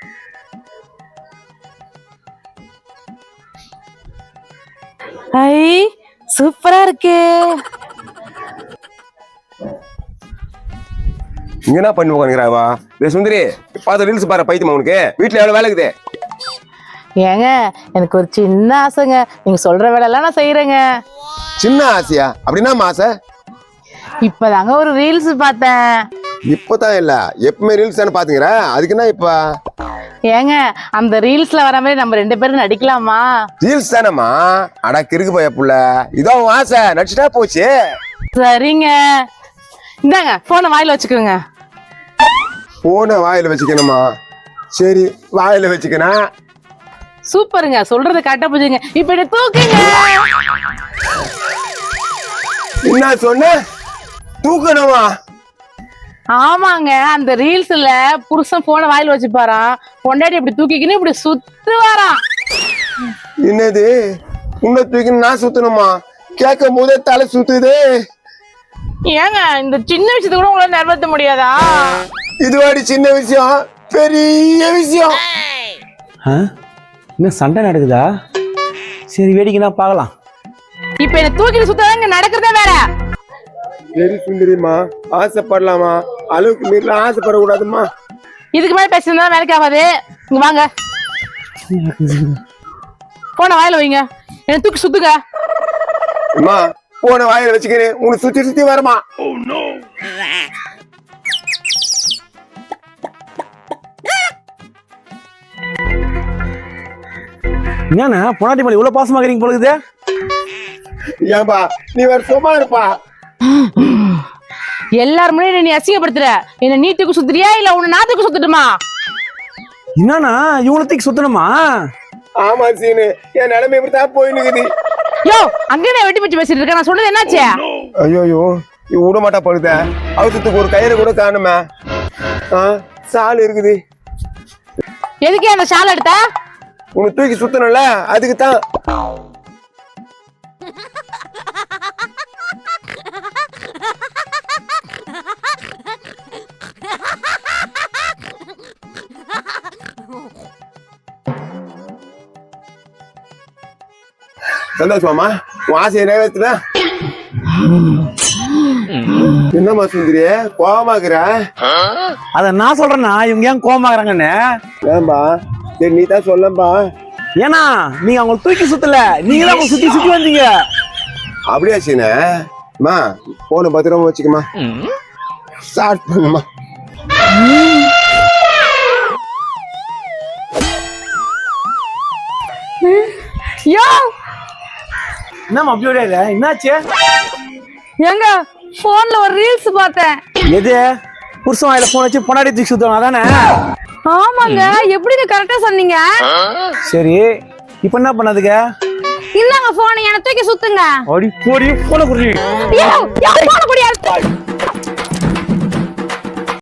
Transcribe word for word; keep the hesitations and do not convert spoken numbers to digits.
ஐ சூப்பரா இருக்கு. இங்க என்ன பண்ணி உட்காந்துக்கிறாவா? சுந்தரி பார்த்து ரீல்ஸ் பாரு. பைத்தியமா உனக்கு வீட்டுல எவ்வளவு வேலை இருக்குது? ஏங்க எனக்கு ஒரு சின்ன ஆசைங்க. நீங்க சொல்ற வேலை எல்லாம் நான் செய்யறேங்க. சின்ன ஆசையா? அப்படின்னா ஆசை? இப்பதாங்க ஒரு ரீல்ஸ் பார்த்தேன். இப்பதான் இல்ல, எப்பவுமே ரீல்ஸ் தானே பாத்துக்கிற, அதுக்கு என்ன இப்ப? ஏங்க அந்த ரீல்ஸ்ல வர மாதிரி நம்ம ரெண்டு பேரும் நடிக்கலாமா? ரீல்ஸ் தானம்மா. அடா கிறுக்கு போய புள்ள, இதோ ஆசை நடிச்சுட்டா போச்சு. சரிங்க, இந்தாங்க போனை வாயில வச்சுக்கோங்க. போனை வாயில வச்சுக்கணுமா? சரி வாயில வச்சுக்கணும். சூப்பருங்க, சொல்றத கரெக்டா புரிஞ்சுங்க. இப்ப என்ன தூக்குங்க. என்ன சொன்ன? தூக்கணுமா? ஆமாங்க, அந்த ரீல்ஸ்ல புருஷன் போனை வாயில வச்சு பாரான், பொண்டாட்டி இப்படி தூக்கிக்கின்னு இப்படி சுத்து வாரான். என்னது உன்னை தூக்கின்னு நான் சுத்தணுமா? கேட்கும் போதே தலை சுத்துது. ஏங்க இந்த சின்ன விஷயத்த கூட உங்களால நிறைவேற்ற முடியாதா? இதுவாடி சின்ன விஷயம், பெரிய விஷயம். இன்னும் சண்டை நடக்குதா? சரி வேடிக்கைனா பார்க்கலாம். இப்ப என்ன தூக்கிட்டு சுத்தாங்க நடக்கிறதே வேற. சரி சுந்தரிமா, ஆசைப்படலாமா? அளவுக்கு மீறல ஆசைப்படக்கூடாதுமா. இதுக்கு மேல பேசுறதா வேலைக்கு ஆகாது. இங்க வாங்க, போன வாயில வைங்க. என்ன தூக்கி சுத்துங்க. அம்மா போன வாயில வச்சுக்கிறேன், உனக்கு சுத்தி சுத்தி வரமா? என்னண்ணா பொண்டாட்டி மேல இவ்வளவு பாசமா இருக்கீங்க போல இருக்குது? ஏன்பா நீ வேற சும்மா இருப்பா. எல்லாரும் முன்னாடி நீ அசிங்கப்படுத்துற. என்ன நீ தூக்கி சுத்துறியா இல்ல உன்னை நான் தூக்கி சுத்தட்டுமா? என்னண்ணா இவ்வளவு தூக்கி சுத்தணுமா? ஆமா சீனு, என் நிலைமை இப்படித்தான் போயினுக்குது. யோ அங்கே நான் வெட்டி வச்சு பேசிட்டு இருக்கேன். நான் சொன்னது என்னாச்சு? ஐயோ விட மாட்டா பழுத. அவசரத்துக்கு ஒரு கயிறு கூட காணுமே. சால் இருக்குது. எதுக்கு அந்த ஷால் எடுத்த? உனக்கு தூக்கி சுத்தணும்ல, அதுக்கு தான். சந்தோஷமாமா? உன் ஆசையை நிறைவேற்றுல? என்னம்மா சுந்தரிய கோவமாக்குற? அத நான் சொல்றேன்னா இவங்க ஏன் கோவமாக்குறாங்கன்னு. ஏன்பா? சரி நீ தான் சொல்லம்பா. ஏன்னா நீங்க அவங்க தூக்கி சுத்தல, நீங்க தான் சுத்தி சுத்தி வந்தீங்க. அப்படியா சீனா? போன பத்திரமா வச்சுக்கமா. ஸ்டார்ட் பண்ணுமா. யோ என்ன அப்படியே இல்ல, என்னாச்சு? எங்க போன்ல ஒரு ரீல்ஸ் பார்த்தேன். எது? புருஷன் வாயில போன் வச்சு பொண்டாட்டி தூக்கி சுத்தணும் அதானே? ஆமாங்க, எப்படிங்க கரெக்டா சொன்னீங்க. சரி இப்ப என்ன பண்ணதுங்க? இந்தாங்க போன், என்ன தூக்கி சுத்துங்க. அடி போடி போன குடி.